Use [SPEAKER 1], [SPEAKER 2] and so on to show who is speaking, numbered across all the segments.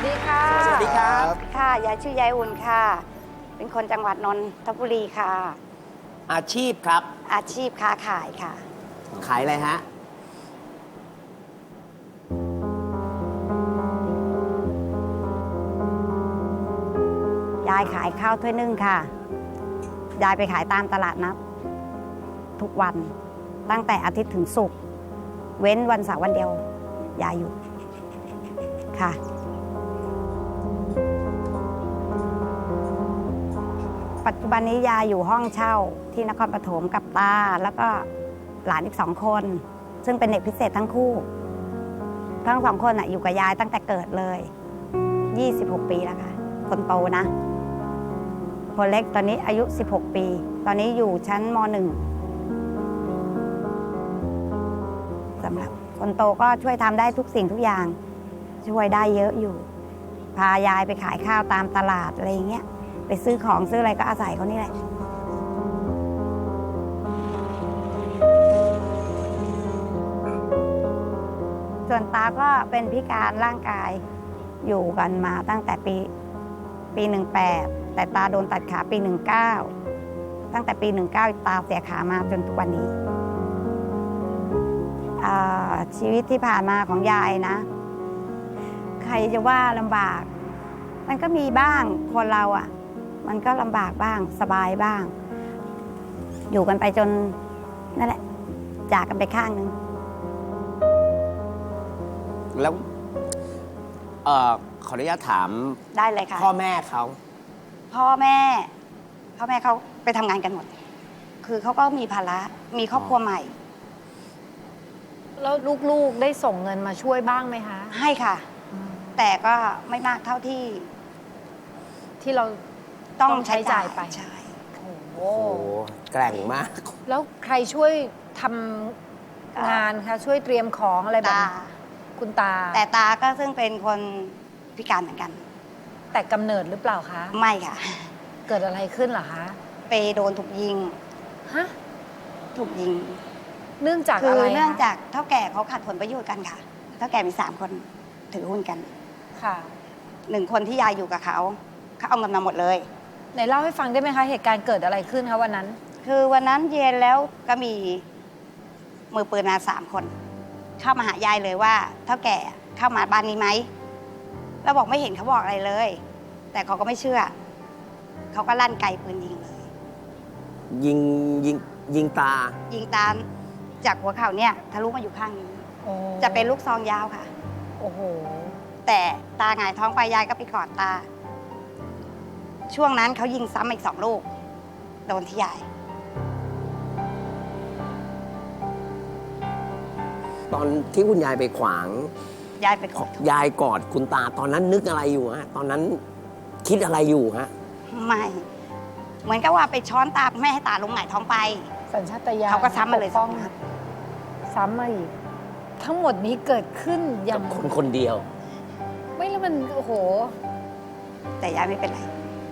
[SPEAKER 1] ดีค่ะ
[SPEAKER 2] สวัสดีครับ
[SPEAKER 3] ค่ะยายชื่อยายอุ่นค่ะ เป็นคนจังหวัดนนทบุรีค่ะ
[SPEAKER 2] อาชีพครับ
[SPEAKER 3] อาชีพค้าขายค่ะ
[SPEAKER 2] ขายอะไรฮะ
[SPEAKER 3] ยายขายข้าวถ้วยนึ่งค่ะ ยายไปขายตามตลาดนัดทุกวันตั้งแต่อาทิตย์ถึงศุกร์เว้นวันเสาร์วันเดียวยายอยู่ค่ะ ปัจจุบันนี้ยายอยู่ห้องเช่าที่นครปฐมกับตาแล้วก็หลานอีก2 คน ซึ่งเป็นเด็กพิเศษทั้งคู่ ทั้ง2 คนอยู่กับยายตั้งแต่เกิดเลย26 ปีแล้วค่ะคนโตนะคนเล็กตอนนี้อายุ16 ปีตอนนี้อยู่ชั้นม.1 สำหรับคนโตก็ช่วยทำได้ทุกสิ่งทุกอย่างช่วยได้เยอะอยู่พายายไปขายข้าวตามตลาดอะไรอย่างเงี้ยไปซื้อของซื้ออะไรก็อาศัยเขานี่แหละส่วนตาก็เป็นพิการร่างกายอยู่กันมาตั้งแต่ปี18แต่ตาโดนตัดขาปี19ตั้งแต่ปี19ตาเสียขามาจนทุกวันนี้ชีวิตที่ผ่านมาของยายนะใครจะว่าลำบากมันก็มีบ้างคนเรามันก็ลำบากบ้างสบายบ้างอยู่กันไปจนนั่นแหละจากกันไปข้างนึง
[SPEAKER 2] แล้วขออนุญาตถาม
[SPEAKER 3] ได้เลยค่ะ
[SPEAKER 2] พ่อแม่เขา
[SPEAKER 3] พ่อแม่เขาไปทำงานกันหมดคือเขาก็มีภาระมีครอบครัวใหม่
[SPEAKER 1] แล้วลูกๆได้ส่งเงินมาช่วยบ้างไหมคะ
[SPEAKER 3] ให้ค่ะแต่ก็ไม่มากเท่าที่
[SPEAKER 1] เราต้องใช้จ่ายไป
[SPEAKER 3] ใช่
[SPEAKER 1] โอ้โห
[SPEAKER 2] โอ้โหแกร่งมาก
[SPEAKER 1] แล้วใครช่วยทำงานคะช่วยเตรียมของอะไรแบบคุณตา
[SPEAKER 3] แต่ตาก็ซึ่งเป็นคนพิการเหมือนกัน
[SPEAKER 1] แต่กำเนิดหรือเปล่าคะ
[SPEAKER 3] ไม่ค่ะ
[SPEAKER 1] เกิดอะไรขึ้นเหรอคะ
[SPEAKER 3] ไปโดนถูกยิง
[SPEAKER 1] ฮะ
[SPEAKER 3] ถูกยิง
[SPEAKER 1] เนื่องจากอะไร
[SPEAKER 3] คือเนื่องจากเท่าแก่เขาขัดผลประโยชน์กันค่ะเท่าแก่มี3 คนถือหุ้นกัน
[SPEAKER 1] ค่ะ
[SPEAKER 3] 1 คนที่ยายอยู่กับเขาเอาเงินมาหมดเลย
[SPEAKER 1] ไหนเล่าให้ฟังได้ไหมคะเหตุการณ์เกิดอะไรขึ้นคะวันนั้น
[SPEAKER 3] คือวันนั้นเย็นแล้วก็มีมือปืนมา3 คนเข้ามาหายายเลยว่าเท่าแก่เข้ามาบ้านนี้ไหมเราบอกไม่เห็นเขาบอกอะไรเลยแต่เขาก็ไม่เชื่อเขาก็ลั่นไกปืนยิงเลย
[SPEAKER 2] ยิงตา
[SPEAKER 3] ยิงตาจากหัวเข่าเนี่ยทะลุมาอยู่ข้างนี้จะเป็นลูกซองยาวค่ะ
[SPEAKER 1] โอ้โห
[SPEAKER 3] แต่ตาหงายท้องไปยายก็ไปกอดตาช่วงนั้นเขายิงซ้ำอีก2 ลูกโดนที่ยาย
[SPEAKER 2] ตอนที่คุณยายไปขวาง
[SPEAKER 3] ยายไปกอด
[SPEAKER 2] ยายกอดคุณตาตอนนั้นนึกอะไรอยู่ฮะตอนนั้นคิดอะไรอยู่ฮะ
[SPEAKER 3] ไม่เหมือนกับว่าไปช้อนตาแม่ให้ตาลงหงายท้องไป
[SPEAKER 1] สัญชาตญาณ
[SPEAKER 3] เขาก็ซ้ำมาเลย
[SPEAKER 1] 2 นัดซ้ำมาอีกทั้งหมดนี้เกิดขึ้นอย่าง
[SPEAKER 2] คนเดียว
[SPEAKER 1] ไม่แล้วมันโอ้โห
[SPEAKER 3] แต่ยายไม่เป็นไร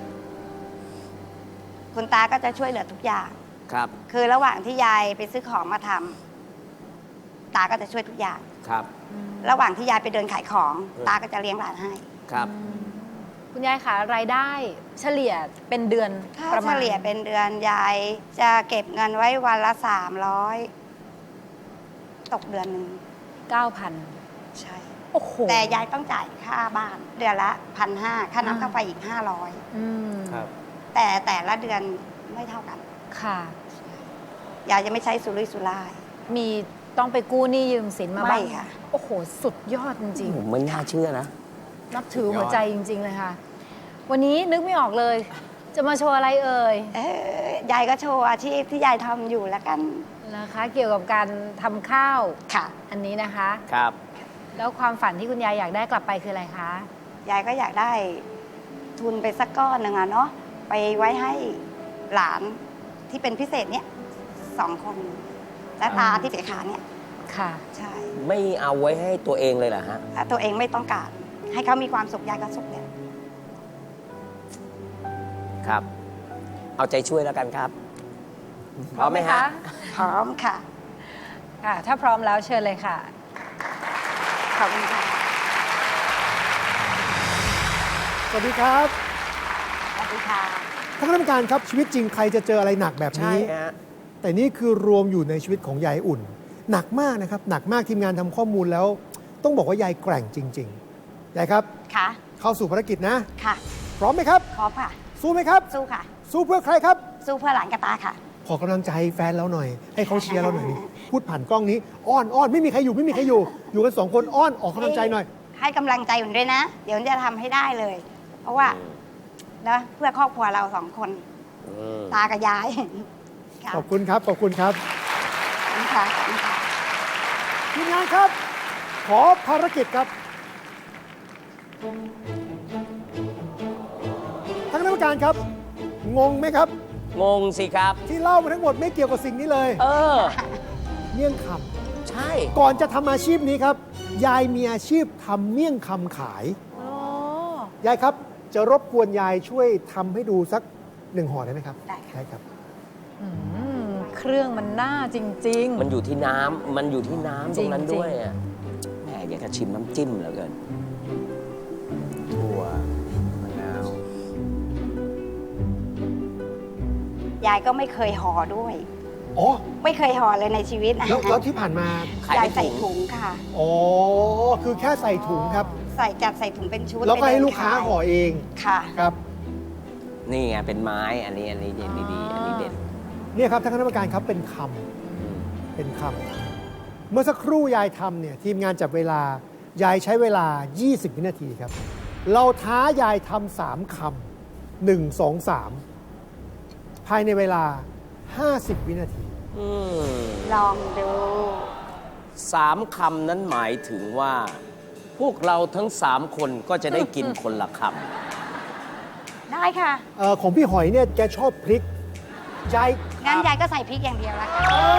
[SPEAKER 3] คุณตาก็จะช่วยเหลือทุกอย่าง
[SPEAKER 2] ครับ
[SPEAKER 3] คือระหว่างที่ยายไปซื้อของมาทำตาก็จะช่วยทุกอย่าง
[SPEAKER 2] ครับ
[SPEAKER 3] ระหว่างที่ยายไปเดินขายของตาก็จะเลี้ยงหลานให้
[SPEAKER 2] ครับ
[SPEAKER 1] คุณยายคะรายได้เฉลี่ยเป็นเดือน
[SPEAKER 3] ประมาณเฉลี่ยเป็นเดือนยายจะเก็บเงินไว้วันละ300ตกเดือนนึง
[SPEAKER 1] 9,000
[SPEAKER 3] ใช่
[SPEAKER 1] โอ้โห
[SPEAKER 3] แต่ยายต้องจ่ายค่าบ้านเดือนละ1,500ค่าน้ำค่าไฟอีก500
[SPEAKER 2] ครับ
[SPEAKER 3] แต่ละเดือนไม่เท่ากัน
[SPEAKER 1] ค่ะ
[SPEAKER 3] ยายจะไม่ใช้สุรุ่ยสุร่าย
[SPEAKER 1] มีต้องไปกู้หนี้ยืมสินมาบ้าง
[SPEAKER 3] ค่ะ
[SPEAKER 1] โอ้โหสุดยอดจริง
[SPEAKER 2] ๆผมไม่น่าเชื่อนะ
[SPEAKER 1] นับถือหัวใจจริงๆเลยค่ะวันนี้นึกไม่ออกเลยจะมาโชว์อะไรเอ่ย
[SPEAKER 3] ยายก็โชว์อาชีพที่ยายทำอยู่แล้วกัน
[SPEAKER 1] นะคะเกี่ยวกับการทำข้าว
[SPEAKER 3] ค่ะ
[SPEAKER 1] อันนี้นะคะ
[SPEAKER 2] ครับ
[SPEAKER 1] แล้วความฝันที่คุณยายอยากได้กลับไปคืออะไรคะ
[SPEAKER 3] ยายก็อยากได้ทุนไปสักก้อนหนึ่งเนาะไปไว้ให้หลานที่เป็นพิเศษเนี่ย2 คนและตาที่เสียขาเนี่ย
[SPEAKER 1] ค่ะ
[SPEAKER 3] ใช่
[SPEAKER 2] ไม่เอาไว้ให้ตัวเองเลยเหรอฮะ
[SPEAKER 3] ตัวเองไม่ต้องการให้เขามีความสุขยายก็สุขเนี่ย
[SPEAKER 2] ครับเอาใจช่วยแล้วกันครับพร้อมไหมฮะ
[SPEAKER 3] พร้อมค่ะ
[SPEAKER 1] ถ้าพร้อมแล้วเชิญเลยค่ะ
[SPEAKER 3] ขอบคุณค่ะ
[SPEAKER 4] สวัสดีครับ
[SPEAKER 3] สวัสดีค่ะ
[SPEAKER 4] ท่านคณะกรรมการครับชีวิตจริงใครจะเจออะไรหนักแบบ
[SPEAKER 2] ใช่
[SPEAKER 4] นี้
[SPEAKER 2] ฮะ
[SPEAKER 4] แต่นี่คือรวมอยู่ในชีวิตของยายอุ่น หนักมากนะครับ หนักมากทีมงานทำข้อมูลแล้ว ต้องบอกว่ายายแกร่งจริงๆยายครับ
[SPEAKER 3] ค่ะ
[SPEAKER 4] เข้าสู่ภารกิจนะ
[SPEAKER 3] ค่ะ
[SPEAKER 4] พร้อมไหมครับ
[SPEAKER 3] พร้อมค่ะ
[SPEAKER 4] สู้ไหมครับ
[SPEAKER 3] สู้ค่ะ
[SPEAKER 4] สู้เพื่อใครครับ
[SPEAKER 3] สู้เพื่อหลานกระตาค่ะ
[SPEAKER 4] ขอกำลังใจแฟนเราหน่อย ให้เขาเชียร์เราหน่อยนี่พูดผ่านกล้องนี้อ้อนอ้อนไม่มีใครอยู่ไม่มีใครอยู่ อยู่กันสองคนอ้อนออกกำลังใจหน่อย
[SPEAKER 3] ให้กำลังใจอุ่นด้วยนะ เดี๋ยวอุ่นจะทำให้ได้เลย เพราะว่านะเพื่อครอบครัวเรา2 คน
[SPEAKER 2] อืม
[SPEAKER 3] ตากับยายค่ะ
[SPEAKER 4] ขอบคุณครับขอบคุณครับ
[SPEAKER 3] ขอบคุณค่ะขอบคุณค่ะ
[SPEAKER 4] ทีมงานครับ ขอภารกิจครับท่านคณะกรรมการครับ งงไหมครับ
[SPEAKER 2] งงสิครับ
[SPEAKER 4] ที่เล่ามาทั้งหมดไม่เกี่ยวกับสิ่งนี้เลย
[SPEAKER 2] เออ
[SPEAKER 4] เมี่ยงค
[SPEAKER 2] ใช่
[SPEAKER 4] ำก่อนจะทำอาชีพนี้ครับ ยายมีอาชีพทำเมี่ยงคำขาย
[SPEAKER 1] อ๋อ
[SPEAKER 4] ยายครับ จะรบกวนยายช่วยทำให้ดูสัก1 ห่อได้ไหมครับ
[SPEAKER 3] ได้ค่ะ
[SPEAKER 4] ได้ครับ
[SPEAKER 1] อืมเครื่องมันน่าจริง
[SPEAKER 2] มันอยู่ที่น้ำมันอยู่ที่น้ำตรงนั้น
[SPEAKER 1] จริงๆ
[SPEAKER 2] ด้วยอะแหมอยากจะชิมน้ำจิ้มเหลือเกิน
[SPEAKER 5] ถั่วมะนาว
[SPEAKER 3] ยายก็ไม่เคยห่อด้วย
[SPEAKER 4] อ๋อ
[SPEAKER 3] ไม่เคยห่อเลยในชีวิตนะ
[SPEAKER 4] แล้วที่ผ่านมา
[SPEAKER 2] ขาย
[SPEAKER 3] ยาย
[SPEAKER 2] เป็น
[SPEAKER 3] ใส่
[SPEAKER 2] ถุ
[SPEAKER 3] ถุ
[SPEAKER 2] ง
[SPEAKER 3] งค่ะ
[SPEAKER 4] อ๋อ คือแค่ใส่ถุงครับ
[SPEAKER 3] จัดใส่ถุงเป็นชุด
[SPEAKER 4] แล้วก็
[SPEAKER 3] ไป
[SPEAKER 4] ให้
[SPEAKER 3] เดิน
[SPEAKER 4] ลูกค้า
[SPEAKER 3] ขย
[SPEAKER 4] ห่อเอง
[SPEAKER 3] ค่ะ
[SPEAKER 4] ครับ
[SPEAKER 2] นี่ไงเป็นไม้อันนี้เด่นดีๆอันนี้เด่น
[SPEAKER 4] เนี่ยครับท่านคณะกรรมการครับเป็นคำเป็นคำเมื่อสักครู่ยายทำเนี่ยทีมงานจับเวลายายใช้เวลา 20 วินาทีครับ เราท้ายายทำ3 คำ1 2 3 ภายในเวลา 50 วินาที
[SPEAKER 2] อืม
[SPEAKER 3] ลองดู
[SPEAKER 2] 3 คำนั้นหมายถึงว่า พวกเราทั้ง 3 คนก็จะได้กินคนละค
[SPEAKER 3] ได้ค่ะ
[SPEAKER 4] ของพี่หอยเนี่ยแกชอบพริกยาย
[SPEAKER 3] งั้นยายก็ใส่พริกอย่างเดียวแล้วกัน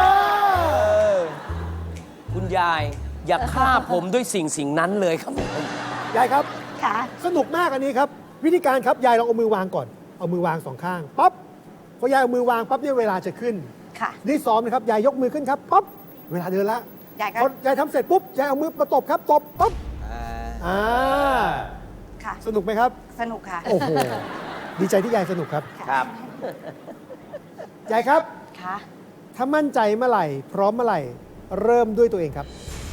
[SPEAKER 2] ำคุณยายอย่าฆ่าผมด้วยสิ่งนั้นเลยครับผม
[SPEAKER 4] ยายครับ
[SPEAKER 3] ค่ะ
[SPEAKER 4] สนุกมากอันนี้ครับ วิธีการครับยายลองเอามือวางก่อน เอามือวาง2 ข้างปั๊บพอยายเอามือวางปั๊บเนี่ยเวลาจะขึ้น
[SPEAKER 3] ค่ะ
[SPEAKER 4] นี่ซ้อมนะครับยายยกมือขึ้นครับปั๊บเวลาเดินละ
[SPEAKER 3] ยายก็
[SPEAKER 4] พอยายทำเสร็จปุ๊บยายเอามือมาตบครับตบปั๊บอ่า
[SPEAKER 3] ค่ะ
[SPEAKER 4] สนุกไหมครับ
[SPEAKER 3] สนุกค่ะ
[SPEAKER 4] โอ้โหดีใจที่ยายสนุกครับ
[SPEAKER 2] ครับ
[SPEAKER 4] ยายครับ
[SPEAKER 3] ค่ะ
[SPEAKER 4] ถ้ามั่นใจเมื่อไหร่ พร้อมเมื่อไหร่ เริ่มด้วยตัวเองครับ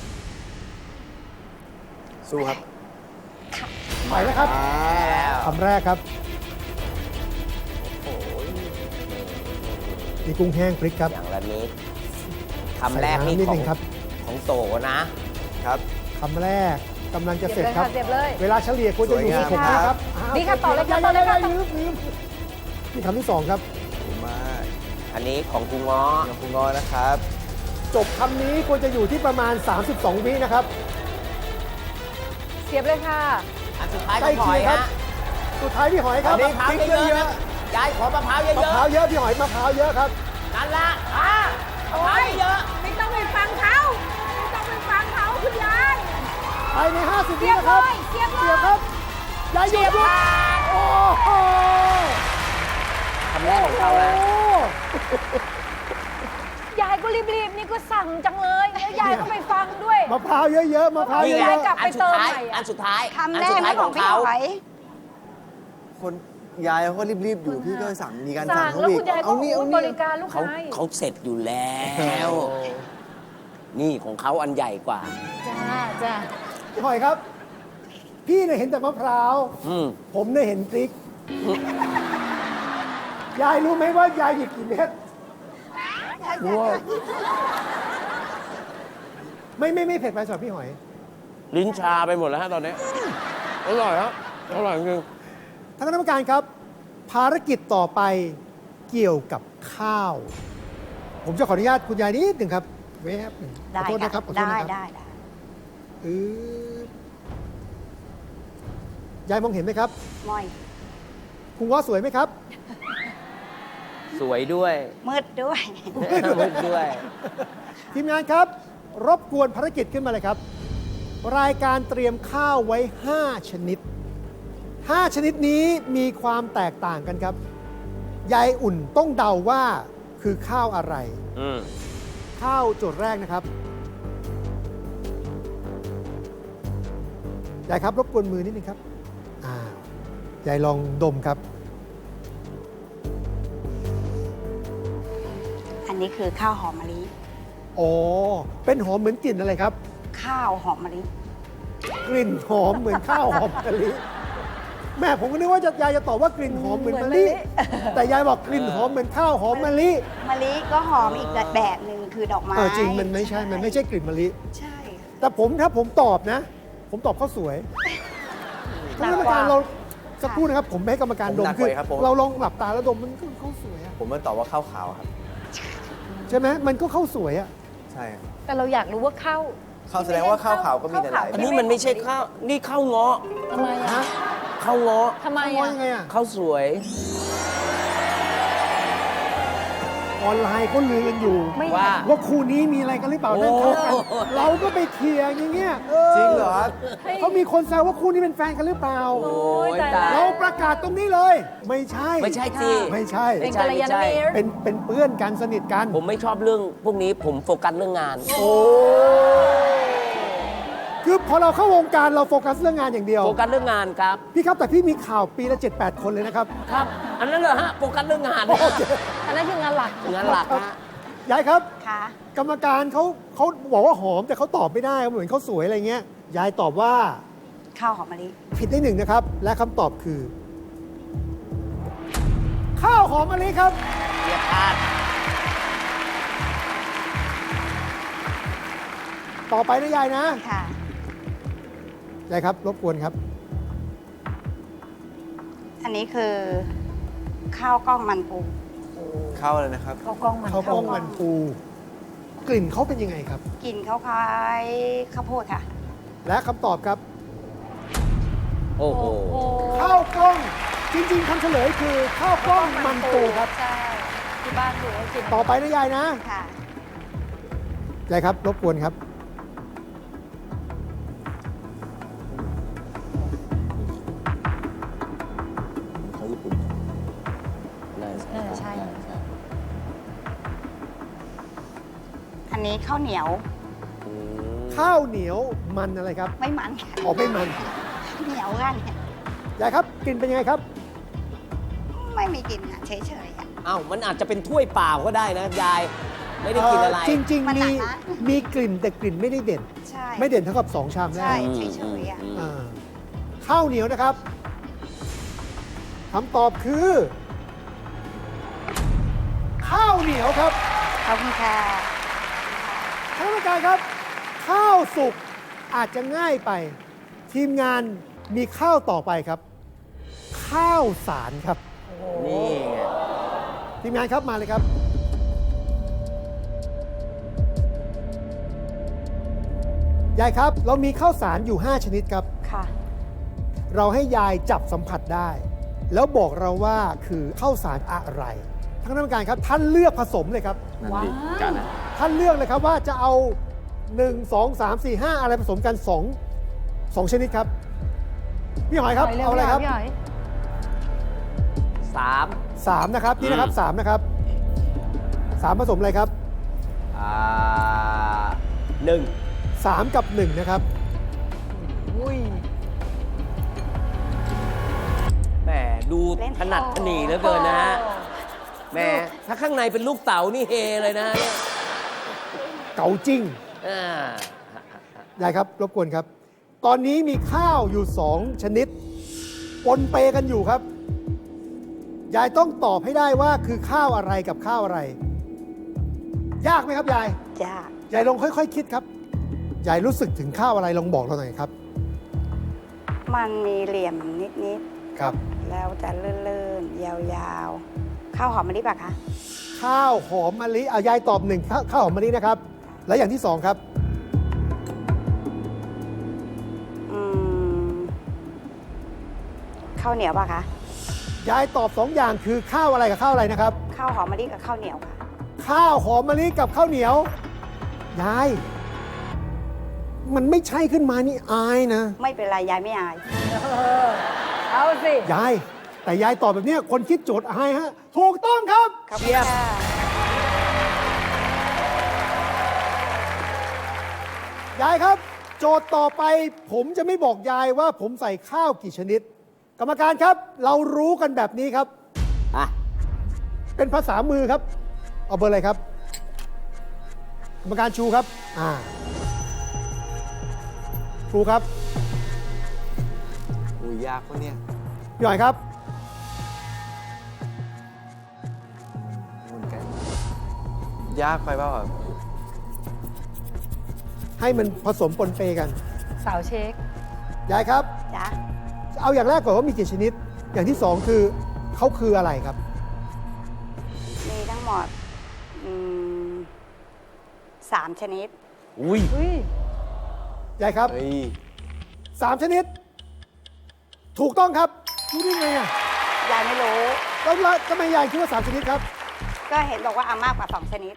[SPEAKER 5] สู้ครับ
[SPEAKER 4] ไปแล้วครับคำแรกครับมีกุ้งแห้งพริกครับ
[SPEAKER 2] อย่างละนิดคำแรกนี่
[SPEAKER 4] ใส่น้ำนิด
[SPEAKER 2] ขอ
[SPEAKER 4] นึ
[SPEAKER 2] ง
[SPEAKER 4] งครับ
[SPEAKER 2] ของโตนะ
[SPEAKER 5] ครับ
[SPEAKER 4] คำแรกกำลังจะ
[SPEAKER 1] เสี
[SPEAKER 4] เส
[SPEAKER 1] ย
[SPEAKER 4] ร็
[SPEAKER 1] บ
[SPEAKER 4] จ
[SPEAKER 1] เลย
[SPEAKER 4] ครับ
[SPEAKER 1] ค่ะเสียบเลย
[SPEAKER 4] เวลาเฉลี่ยควรจะอยู่ที่
[SPEAKER 5] สวย
[SPEAKER 4] 6
[SPEAKER 5] งาม
[SPEAKER 4] นะครับ
[SPEAKER 1] ดีครับต่อเลยครับต่อเลยครับ
[SPEAKER 4] ลืมนี่คำที่ 2 ครับ
[SPEAKER 5] ดีมาก
[SPEAKER 2] อันนี้ของกูง้อ
[SPEAKER 5] น้ำพุงอนะครับ
[SPEAKER 4] จบคำนี้ควรจะอยู่ที่ประมาณ 32 วินะครับ
[SPEAKER 1] เสียบเลยค่ะ
[SPEAKER 2] อันสุดท้าย
[SPEAKER 4] ใกล้
[SPEAKER 2] ก็หอย
[SPEAKER 4] เคียงครับ
[SPEAKER 2] ฮะ
[SPEAKER 4] สุดท้ายพี่หอยครับ
[SPEAKER 2] มะพร้าว
[SPEAKER 4] พริก
[SPEAKER 2] เยอะ
[SPEAKER 4] เย
[SPEAKER 2] ๆ
[SPEAKER 4] อะ
[SPEAKER 2] นะยายขอมะพร้าวเย
[SPEAKER 4] ๆมะพร้าว
[SPEAKER 2] อะ
[SPEAKER 4] เยอะพี่หอยมะพร้าวเยอะครับ
[SPEAKER 2] ๆนั่นละมะพร้าวเยอะ
[SPEAKER 1] ไม่ต้องไปฟังเขาไม่ต้องไปฟังเขาคุณยาย
[SPEAKER 4] ภายใน 50 วินะครับ
[SPEAKER 1] เสียบเลย
[SPEAKER 4] เสียบครับยายหยุดหยุดโอ้โห
[SPEAKER 2] คำแรกของเขานะ
[SPEAKER 1] ยายก็รีบๆ นี่ก็สั่งจังเลยแล้วยายก็ไปฟังด้วย
[SPEAKER 4] มะพร้าวเยอะๆมะพร้าว
[SPEAKER 2] นี่
[SPEAKER 4] เย
[SPEAKER 2] ไง
[SPEAKER 4] อะ
[SPEAKER 1] กลับ
[SPEAKER 2] อั
[SPEAKER 1] ไป
[SPEAKER 2] นสุดท้าย
[SPEAKER 1] เติมใหม่อะ
[SPEAKER 2] อันสุดท้าย
[SPEAKER 3] คำ
[SPEAKER 2] อั
[SPEAKER 3] แร
[SPEAKER 2] สุ
[SPEAKER 3] ก
[SPEAKER 2] ดท้า
[SPEAKER 3] ไม่
[SPEAKER 2] ย
[SPEAKER 3] ข
[SPEAKER 2] ข
[SPEAKER 3] อ
[SPEAKER 2] อง ง
[SPEAKER 3] พี่
[SPEAKER 2] เขา
[SPEAKER 3] หอย
[SPEAKER 5] คนยายเขารีบๆอยู่พี่ก็สั่งมีการ
[SPEAKER 1] สั่
[SPEAKER 5] สั่
[SPEAKER 1] ง
[SPEAKER 5] งเขา
[SPEAKER 1] แล้ว
[SPEAKER 5] อี
[SPEAKER 1] คุ
[SPEAKER 5] ก
[SPEAKER 1] ณยายก็
[SPEAKER 5] เอานี่เอา
[SPEAKER 1] บ
[SPEAKER 5] นี่
[SPEAKER 1] ริการลูก
[SPEAKER 2] เขา
[SPEAKER 1] ค้าอีก
[SPEAKER 2] เขาเสร็จอยู่แล้ว นี่ของเขาอันใหญ่กว่า
[SPEAKER 1] จ้าจ้า
[SPEAKER 4] ๆพี่หอยครับ พี่เนี่ยเห็นแต่มะพร้าว
[SPEAKER 2] อืม
[SPEAKER 4] ผมเนี่ยเห็นพริก ยายรู้ไหมว่ายายหยิบกี่เม็ดไม่เผ็ดไปสำหรับพี่หอย
[SPEAKER 2] ลิ้นชาไปหมดแล้วฮะตอนนี้ อร่อยครับอร่อยจริง
[SPEAKER 4] ท่านคณะกรรมการครับ ภารกิจต่อไปเกี่ยวกับข้าว ผมจะขออนุญาตคุณยายนิดหนึ่งครับเวฟหนึ่งข
[SPEAKER 3] ได้
[SPEAKER 4] อโทษนะครับขอโทษ
[SPEAKER 3] ได้
[SPEAKER 4] นะครับ
[SPEAKER 3] ได้ได้
[SPEAKER 4] อืดยายมองเห็นไหมครับ
[SPEAKER 3] มอย
[SPEAKER 4] คุณง้อสวยไหมครับ
[SPEAKER 2] สวยด้วย
[SPEAKER 3] มืดด้วย
[SPEAKER 2] มืดด้วย
[SPEAKER 4] ทีมงานครับ รบกวนภารกิจขึ้นมาเลยครับ รายการเตรียมข้าวไว้ 5 ชนิด 5 ชนิดนี้มีความแตกต่างกันครับ ยายอุ่นต้องเดาว่าคือข้าวอะไร
[SPEAKER 2] อืม
[SPEAKER 4] ข้าวโจทย์แรกนะครับยายครับรบกวนมือนิดนึงครับอ้าวยายลองดมครับ
[SPEAKER 3] อันนี้คือข้าวหอมมะลิ
[SPEAKER 4] อ๋อ เป็นหอมเหมือนกลิ่นอะไรครับ
[SPEAKER 3] ข้าวหอมมะลิ
[SPEAKER 4] กลิ่นหอมเหมือนข้าวหอมมะลิ แม่ผมก็นึกว่ายายจะตอบว่ากลิ่นหอมเหมือนมะลิ แต่ยายบอกกลิ่นหอมเหมือนข้าวหอมมะลิ
[SPEAKER 3] มะลิก็หอมอีกแบบหนึ่งคือดอกไม้
[SPEAKER 4] จริงมันไม่ใช่กลิ่นมะลิ
[SPEAKER 3] ใช่ค่ะ
[SPEAKER 4] แต่ถ้าผมตอบนะ ผมตอบข้าวสวยท่านกรรมการเราสักครู่นะครับ ผมให้กรรมการดม
[SPEAKER 5] ผมหนัก
[SPEAKER 4] คื
[SPEAKER 5] กว่าครับผม
[SPEAKER 4] เราลองหลับตาแล้วดมมันก็ข้าวสวยอะ
[SPEAKER 5] ผมมันตอบว่าข้าวขาวครับ
[SPEAKER 4] ใช่ไหมมันก็ข้าวสวยอะ
[SPEAKER 5] ใช่ครับ
[SPEAKER 1] แต่เราอยากรู้ว่าข้าว
[SPEAKER 5] ข้าวแสดงว่าข้าวขาวก็มีในหลาย
[SPEAKER 2] อันนี้มันไม่ใช่ข้าว นี่ข้าวเงาะ
[SPEAKER 1] ทำไมอ่ะ
[SPEAKER 4] ฮะ
[SPEAKER 2] ข้าวเงาะ
[SPEAKER 1] ทำไม
[SPEAKER 4] ว่า
[SPEAKER 1] อ่ะ
[SPEAKER 4] ยังไงอะ
[SPEAKER 2] ข้าวสวย
[SPEAKER 4] ออนไลน์เขาลือกันอยู่
[SPEAKER 1] ไม่
[SPEAKER 2] ว่า
[SPEAKER 4] ว่าคู่นี้มีอะไรกันหรือเปล่านั่นเขากัน
[SPEAKER 2] โอ้
[SPEAKER 4] เราก็ไปเถียงอย่างเงี้ย
[SPEAKER 5] จริงเหรอครับ
[SPEAKER 4] เขามีคนแซวว่าคู่นี้เป็นแฟนกันหรือเปล่า
[SPEAKER 2] โอ้ย
[SPEAKER 1] ตาย
[SPEAKER 2] ตาย
[SPEAKER 1] แล้
[SPEAKER 4] เรา
[SPEAKER 1] ว
[SPEAKER 4] ประกาศตรงนี้เลย ไม่ใช่
[SPEAKER 2] ไม่ใช่สิ
[SPEAKER 4] ไม่ใช่
[SPEAKER 1] เป็นกัลยาณมิตร
[SPEAKER 4] เป็นเพื่อนกันสนิทกัน
[SPEAKER 2] ผมไม่ชอบเรื่องพวกนี้ผมโฟกัสเรื่องงาน
[SPEAKER 4] โอ้คือพอเราเข้าวงการเราโฟกัสเรื่องงานอย่างเดียว
[SPEAKER 2] โฟกัสเรื่องงานครับ
[SPEAKER 4] พี่ครับแต่พี่มีข่าวปีละ 7-8 คนเลยนะครับ
[SPEAKER 2] ครับ อันนั้นเหรอฮะ โฟกัสเรื่องงาน
[SPEAKER 4] โอเค
[SPEAKER 1] อันนั้นคืองานหลัก
[SPEAKER 2] งานหลักฮะ
[SPEAKER 4] ยายครับ
[SPEAKER 3] ค่ะ
[SPEAKER 4] กรรมการเขาบอกว่าหอมแต่เขาตอบไม่ได้เหมือนเขาสวยอะไรเงี้ยยายตอบว่า
[SPEAKER 3] ข้าวหอมมะลิ
[SPEAKER 4] ผิดได้หนึ่งนะครับ และคำตอบคือ ข้าวหอมมะลิครับ
[SPEAKER 2] เรียบพลาด
[SPEAKER 4] ต่อไปนะยายนะ
[SPEAKER 3] ค่ะ
[SPEAKER 4] ยายครับ รบกวนครับ
[SPEAKER 3] อันนี้คือข้าวกล้องมันปู
[SPEAKER 5] ข้าวอะไรนะครับ
[SPEAKER 1] ข้าวกล้องมัน
[SPEAKER 4] ข้าวกล้องมันปู กลิ่นเขาเป็นยังไงครับ
[SPEAKER 3] กลิ่นคล้ายๆข้าวโพดค่ะ
[SPEAKER 4] และคำตอบครับ
[SPEAKER 2] โอ้โห
[SPEAKER 4] ข้าวกล้อง จริงๆคำเฉลยคือข้าวกล้องมันปูครับ
[SPEAKER 1] ใช่ที่บ้านอยู่ก็กิน
[SPEAKER 4] ต่อไปนะยายนะ
[SPEAKER 3] ค่ะ
[SPEAKER 4] ยายครับ รบกวนครับ
[SPEAKER 2] ของญี่ปุ่นน่า
[SPEAKER 1] ใช่
[SPEAKER 3] อันนี้ข้าวเหนียว
[SPEAKER 2] อืม
[SPEAKER 4] ข้าวเหนียวมันอะไรครับ
[SPEAKER 3] ไม่มันค่ะ
[SPEAKER 4] ออกไม่มัน
[SPEAKER 3] เหนียวกันค่ะ
[SPEAKER 4] ยายครับกลิ่นเป็นยังไงครับ
[SPEAKER 3] ไม่มีกลิ่นค่ะเฉยๆค่ะ
[SPEAKER 2] อ้าว มันอาจจะเป็นถ้วยเปล่าก็ได้นะยาย ไม่ได้กินอะไร
[SPEAKER 4] จริง
[SPEAKER 3] มัน
[SPEAKER 4] ๆ
[SPEAKER 3] หนั
[SPEAKER 4] มี
[SPEAKER 3] กนะ
[SPEAKER 4] มีกลิ่นแต่กลิ่นไม่ได้เด่น
[SPEAKER 3] ใช่
[SPEAKER 4] ไม่เด่นเท่ากับ 2 ชามแร
[SPEAKER 3] ใช่
[SPEAKER 4] ก
[SPEAKER 3] เฉยๆอ่ะ
[SPEAKER 4] อ่าข้าวเหนียวนะครับคำตอบคือ ข้าวเหนียวครับ
[SPEAKER 3] ขอบคุณค่ะ
[SPEAKER 4] ท่านผู้การครับ ข้าวสุกอาจจะง่ายไป ทีมงานมีข้าวต่อไปครับ ข้าวสารครับ
[SPEAKER 2] นี่ไง
[SPEAKER 4] ทีมงานครับมาเลยครับ ยายครับ เรามีข้าวสารอยู่ 5 ชนิดครับ
[SPEAKER 3] ค่ะ
[SPEAKER 4] เราให้ยายจับสัมผัสได้ แล้วบอกเราว่าคือข้าวสารอะไรท่านกรรมการครับ ท่านเลือกผสมเลยครับ
[SPEAKER 1] ว้าว
[SPEAKER 4] ท่านเลือกเลยครับว่าจะเอา 1 2 3 4 5 อะไรผสมกัน 2 ชนิดครับ พี่หอยครับ เอาอะไรครับ
[SPEAKER 1] พี่หอย
[SPEAKER 4] 3 นะครับ นี่นะครับ 3 นะครับ 3 ผสมอะไรครับ
[SPEAKER 2] หนึ่ง
[SPEAKER 4] 3 กับ 1 นะครับ
[SPEAKER 1] อุ้ย
[SPEAKER 2] แหมดูถนัดถนีเหลือเกินนะฮะแหมถ้าข้างในเป็นลูกเต๋านี่เฮเลยนะเนี่ย
[SPEAKER 4] เก๋าจริง
[SPEAKER 2] อ่า
[SPEAKER 4] ยายครับ รบกวนครับ ตอนนี้มีข้าวอยู่ 2 ชนิด ปนเปกันอยู่ครับ ยายต้องตอบให้ได้ว่าคือข้าวอะไรกับข้าวอะไร ยากไหมครับยาย
[SPEAKER 3] จ้าย
[SPEAKER 4] ายลองค่อยๆคิดครับ ยายรู้สึกถึงข้าวอะไรลองบอกเราหน่อยครับ
[SPEAKER 3] มันมีเหลี่ยมนิด
[SPEAKER 4] ครับ
[SPEAKER 3] ๆ แล้วจะลื่นๆ ยาวๆ ข้าวหอมมะลิป่ะคะ
[SPEAKER 4] ข้าวหอมมะลิยายตอบ1ข้าวหอมมะลินะครับ และอย่างที่ 2 ครับ
[SPEAKER 3] อืม ข้าวเหนียวป่ะคะ
[SPEAKER 4] ยายตอบ 2 อย่างคือข้าวอะไรกับข้าวอะไรนะครับ
[SPEAKER 3] ข้าวหอมมะลิกับข้าวเหนียวค่ะ
[SPEAKER 4] ข้าวหอมมะลิกับข้าวเหนียว ยาย มันไม่ใช่ขึ้นมานี่อายนะ
[SPEAKER 3] ไม่เป็นไรยายไม่อาย
[SPEAKER 1] เอาสิ
[SPEAKER 4] ยาย แต่ยายตอบแบบเนี้ยคนคิดโจทย์อายฮะ ถูกต้องครับ
[SPEAKER 3] ขอบคุณค่ะ
[SPEAKER 4] ยายครับ โจทย์ต่อไปผมจะไม่บอกยายว่าผมใส่ข้าวกี่ชนิดกรรมการครับ เรารู้กันแบบนี้ครับ
[SPEAKER 2] อ่ะ
[SPEAKER 4] เป็นภาษามือครับ เอาเบอร์อะไรครับ กรรมการชูครับครูครับ
[SPEAKER 5] อุ้ยยากปะเนี่ย
[SPEAKER 4] พี่หน่อยครับ
[SPEAKER 5] เหมือนกันยากไปเปล่าครับ
[SPEAKER 4] ให้มันผสมปนเปกัน
[SPEAKER 1] สาวเช็ค
[SPEAKER 4] ยายครับ
[SPEAKER 3] จ้ะ
[SPEAKER 4] เอาอย่างแรกก่อนว่ามีกี่ชนิด อย่างที่สองคือเขาคืออะไรครับ
[SPEAKER 3] มีทั้งหมด3 ชนิด
[SPEAKER 2] อุ้ย
[SPEAKER 4] ยายครับ
[SPEAKER 5] เฮ้ย
[SPEAKER 4] 3 ชนิด ถูกต้องครับรู้ได้ไงอ่ะ
[SPEAKER 3] ยายไม่รู้
[SPEAKER 4] แล้วทำไมยายคิดว่า 3 ชนิดครับ
[SPEAKER 3] ก็เห็นบอกว่าเอามากกว่า 2 ชนิด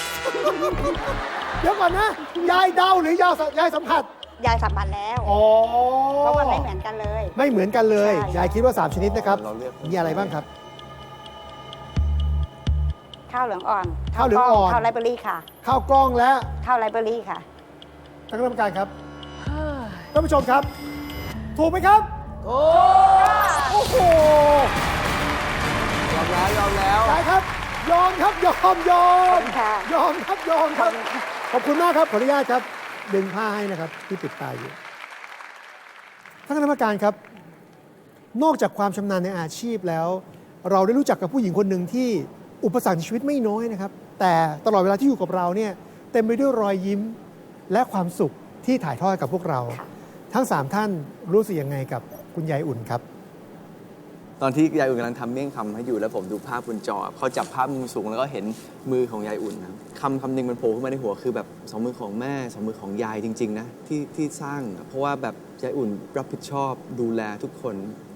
[SPEAKER 4] เดี๋ยวก่อนนะ ยายเดาหรือยายสัมผัส
[SPEAKER 3] ยายสัมผัสแล้ว
[SPEAKER 4] อ๋อ
[SPEAKER 3] เพราะมันไม่เหมือนกันเลย
[SPEAKER 4] ไม่เหมือนกันเลย
[SPEAKER 3] ใช่
[SPEAKER 4] ยายคิดว่า 3 ชนิดนะครับ
[SPEAKER 5] เราเลือก
[SPEAKER 4] มีอะไรบ้างครับ
[SPEAKER 3] ข้าวเหลืองอ่อน
[SPEAKER 4] ข้าวเหลืองอ่อน
[SPEAKER 3] ข้าวไรเบอรี่ค่ะ
[SPEAKER 4] ข้าวกล้องและ
[SPEAKER 3] ข้าวไรเบอรี่ค่ะ
[SPEAKER 4] ท่านคณะกรรมการครับ ท่านผู้ชมครับ ถูกไหมครับ
[SPEAKER 2] โอ้
[SPEAKER 4] โอ้โห
[SPEAKER 5] ยอมแล้วยอมแล้ว
[SPEAKER 4] ยายครับ ยอมครับ ยอม
[SPEAKER 3] ขอบคุณค่ะ
[SPEAKER 4] ยอมครับ ยอมครับ ขอบคุณมากครับ ขออนุญาตครับ ดึงผ้าให้นะครับ ที่ปิดตาอยู่ ท่านคณะกรรมการครับ นอกจากความชำนาญในอาชีพแล้ว เราได้รู้จักกับผู้หญิงคนหนึ่งที่อุปสรรคในชีวิตไม่น้อยนะครับ แต่ตลอดเวลาที่อยู่กับเราเนี่ยเต็มไปด้วยรอยยิ้มและความสุขที่ถ่ายทอดกับพวกเรา ทั้ง 3 ท่านรู้สึกยังไงกับคุณยายอุ่นครับ
[SPEAKER 5] ตอนที่ยายอุ่นกำลังทำเมี่ยงคำให้อยู่แล้วผมดูภาพบนจอเขาจับภาพมุมสูงแล้วก็เห็นมือของยายอุ่นนะคำหนึ่งมันโผล่ขึ้นมาในหัวคือแบบ2 มือของแม่2 มือของยายจริงๆนะที่สร้าง เพราะว่าแบบยายอุ่นรับผิดชอบดูแลทุกคน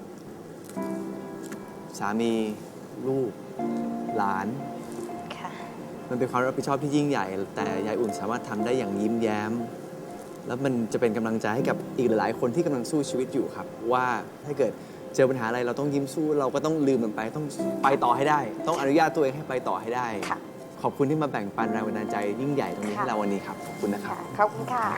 [SPEAKER 5] สามีลูกหลาน
[SPEAKER 3] ค่ะ
[SPEAKER 5] มันเป็นความรับผิดชอบที่ยิ่งใหญ่ แต่ยายอุ่นสามารถทำได้อย่างยิ้มแย้ม แล้วมันจะเป็นกำลังใจให้กับอีกหลายๆคนที่กำลังสู้ชีวิตอยู่ครับ ว่าถ้าเกิดเจอปัญหาอะไรเราต้องยิ้มสู้ เราก็ต้องลืมมันไปต้องไปต่อให้ได้ ต้องอนุญาตตัวเองให้ไปต่อให้ได้
[SPEAKER 3] ค่ะ
[SPEAKER 5] ขอบคุณที่มาแบ่งปันแรงบันดาลใจยิ่งใหญ่ตรงนี้ให้เราวันนี้ครับขอบคุณนะครับ
[SPEAKER 3] ขอบคุณค่ะ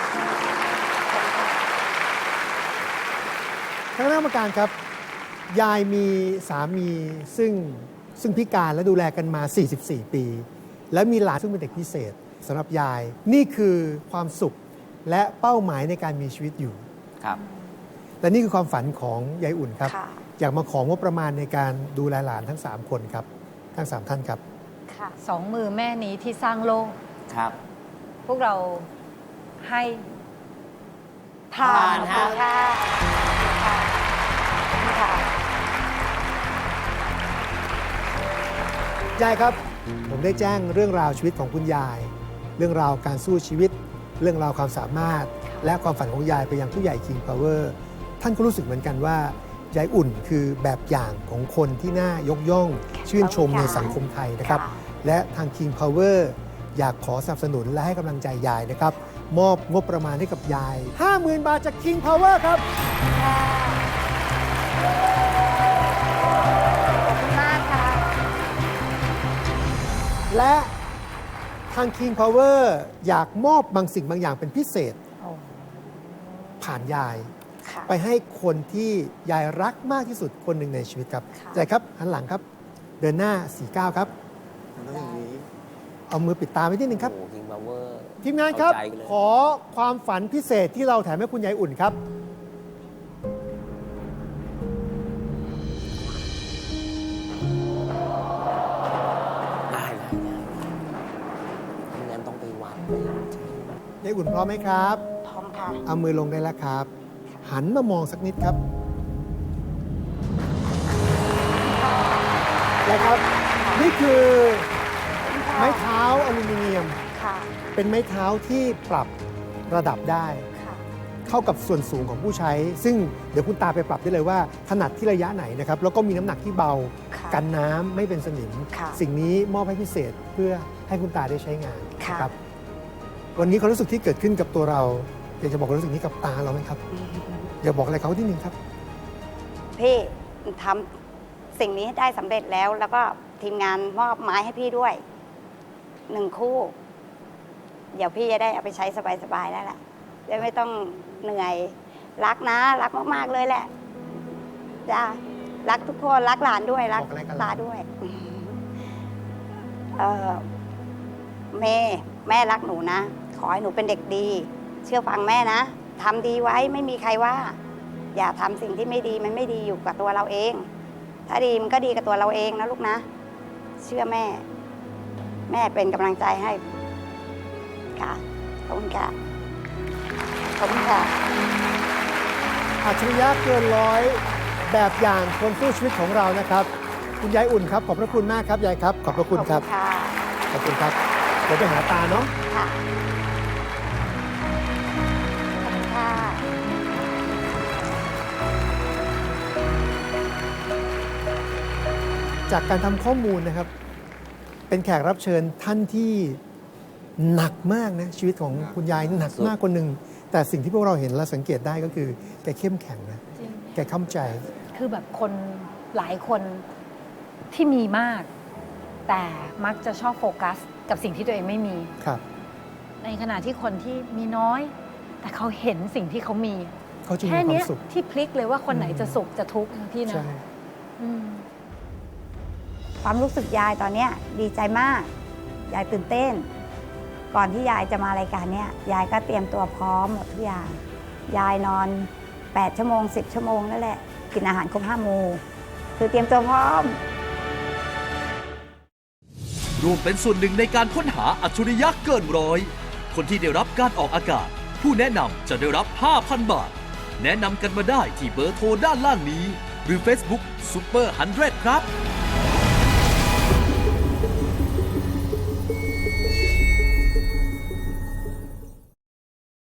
[SPEAKER 4] ท่านคณะกรรมการครับ ยายมีสามีซึ่งพิการและดูแลกันมา 44 ปี และมีหลานซึ่งเป็นเด็กพิเศษสำหรับยาย นี่คือความสุขและเป้าหมายในการมีชีวิตอยู่
[SPEAKER 2] ครับ
[SPEAKER 4] และนี่คือความฝันของยายอุ่นครับ
[SPEAKER 3] ค่ะ
[SPEAKER 4] อยากมาของงบประมาณในการดูแลหลานทั้ง 3 คนครับ ทั้ง 3 ท่านครับ
[SPEAKER 3] ค่ะ
[SPEAKER 1] 2 มือแม่นี้ที่สร้างโลก
[SPEAKER 2] ครับ
[SPEAKER 1] พวกเราให้
[SPEAKER 3] ผ่าน
[SPEAKER 2] ฮะ
[SPEAKER 3] ค่ะค่ะค่ะ
[SPEAKER 4] ยายครับ ผมได้แจ้งเรื่องราวชีวิตของคุณยาย เรื่องราวการสู้ชีวิต เรื่องราวความสามารถ และความฝันของยายไปยังผู้ใหญ่ King Power ท่านก็รู้สึกเหมือนกันว่ายายอุ่นคือแบบอย่างของคนที่น่ายกย่อง ชื่นชมในสังคมไทยนะครับ และทาง King Power อยากขอสนับสนุนและให้กำลังใจยายนะครับ มอบงบประมาณให้กับยาย 50,000 บาทจาก King Power ครับ
[SPEAKER 3] ขอบคุณมากค่ะ
[SPEAKER 4] และทาง King Power อยากมอบบางสิ่งบางอย่างเป็นพิเศษ ผ่านยาย
[SPEAKER 3] ค่ะ
[SPEAKER 4] ไปให้คนที่ยายรักมากที่สุดคนหนึ่งในชีวิตครับ
[SPEAKER 3] ค่ะ
[SPEAKER 4] ใจครับหันหลังครับ เดินหน้า 49 ครับ
[SPEAKER 5] มันต้องอย่างนี้
[SPEAKER 4] เอามือปิดตาไว้นิดนึงครับ
[SPEAKER 2] โอ้คิงพาวเวอร์
[SPEAKER 4] ทีมงานครับ
[SPEAKER 2] เอาใจกันเลย
[SPEAKER 4] ขอความฝันพิเศษที่เราแถมให้คุณยายอุ่นครับ
[SPEAKER 2] ได้ไม่งั้นต้องไปวัดไป
[SPEAKER 4] ยายอุ่นพร้อมไหมครับ
[SPEAKER 3] พร้อมค่ะ
[SPEAKER 4] เอามือลงได้แล้วครับ หันมามองสักนิดครับยายครับ นี่คือไม้เท้าอลูมิเนียม
[SPEAKER 3] ค่ะ
[SPEAKER 4] เป็นไม้เท้าที่ปรับระดับได้
[SPEAKER 3] ค่ะ
[SPEAKER 4] เข้ากับส่วนสูงของผู้ใช้ ซึ่งเดี๋ยวคุณตาไปปรับได้เลยว่าถนัดที่ระยะไหนนะครับ แล้วก็มีน้ำหนักที่เบา
[SPEAKER 3] ค่ะ
[SPEAKER 4] กันน้ำไม่เป็นสนิม
[SPEAKER 3] ค่ะ
[SPEAKER 4] สิ่งนี้มอบให้พิเศษเพื่อให้คุณตาได้ใช้งาน
[SPEAKER 3] ค่ะ
[SPEAKER 4] นะครับ วันนี้ความรู้สึกที่เกิดขึ้นกับตัวเราอยากจะบอกความรู้สึกนี้กับตาเราไหมครับ อยากบอกอะไรเขาที่หนึ่งครับ
[SPEAKER 3] พี่ทำสิ่งนี้ให้ได้สำเร็จแล้ว แล้วก็ทีมงานมอบไม้ให้พี่ด้วย 1 คู่ เดี๋ยวพี่จะได้เอาไปใช้สบายๆแล้วแหละจะไม่ต้องเหนื่อย รักนะ รักมากๆเลยแหละจ้ารักทุกคนรักหลานด้วยรัก
[SPEAKER 4] บอกอะไรกัน
[SPEAKER 3] ตาด้วยแม่รักหนูนะ ขอให้หนูเป็นเด็กดี เชื่อฟังแม่นะทำดีไว้ไม่มีใครว่า อย่าทำสิ่งที่ไม่ดีมันไม่ดีอยู่กับตัวเราเอง ถ้าดีมันก็ดีกับตัวเราเองนะลูกนะ เชื่อแม่ แม่เป็นกำลังใจให้ค่ะขอบคุณค่ะขอบคุณค่ะ
[SPEAKER 4] อัจฉริยะเกินร้อยแบบอย่างคนสู้ชีวิตของเรานะครับ คุณยายอุ่นครับขอบพระคุณมากครับยายครับขอบพระคุณครับ
[SPEAKER 3] ค่ะ
[SPEAKER 4] ขอบคุณครับเดี๋ยวไปหาตาเนาะ
[SPEAKER 3] ค่ะขอบคุณค่ะ
[SPEAKER 4] จากการทำข้อมูลนะครับ เป็นแขกรับเชิญท่านที่หนักมากนะชีวิตของคุณยายหนักมากคนหนึ่งแต่สิ่งที่พวกเราเห็นและสังเกตได้ก็คือแกเข้มแข็งนะ
[SPEAKER 1] จริง
[SPEAKER 4] แกเข้าใจ
[SPEAKER 1] คือแบบคนหลายคนที่มีมาก แต่มักจะชอบโฟกัสกับสิ่งที่ตัวเองไม่มี
[SPEAKER 4] ครับ
[SPEAKER 1] ในขณะที่คนที่มีน้อย แต่เขาเห็นสิ่งที่เขามี
[SPEAKER 4] เขาจะมี
[SPEAKER 1] แค่
[SPEAKER 4] ควา
[SPEAKER 1] เนี้
[SPEAKER 4] ม
[SPEAKER 1] ย
[SPEAKER 4] สุข
[SPEAKER 1] ที่พลิกเลยว่าคนไหนจะสุขจะทุกข์นะพี่นะ
[SPEAKER 4] ใช่
[SPEAKER 1] อืม
[SPEAKER 3] ความรู้สึกยายตอนเนี้ยดีใจมาก ยายตื่นเต้น ก่อนที่ยายจะมารายการเนี้ยยายก็เตรียมตัวพร้อมหมดทุกอย่าง ยายนอน 8 ชั่วโมง 10 ชั่วโมงนั่นแหละ กินอาหารครบ5 หมู่คือเตรียมตัวพร้อม
[SPEAKER 6] ร่วมเป็นส่วนหนึ่งในการค้นหาอัจฉริยะเกินร้อย คนที่ได้รับการออกอากาศ ผู้แนะนำจะได้รับ 5,000 บาท แนะนำกันมาได้ที่เบอร์โทรด้านล่างนี้ หรือ Facebook Super 100 ครับ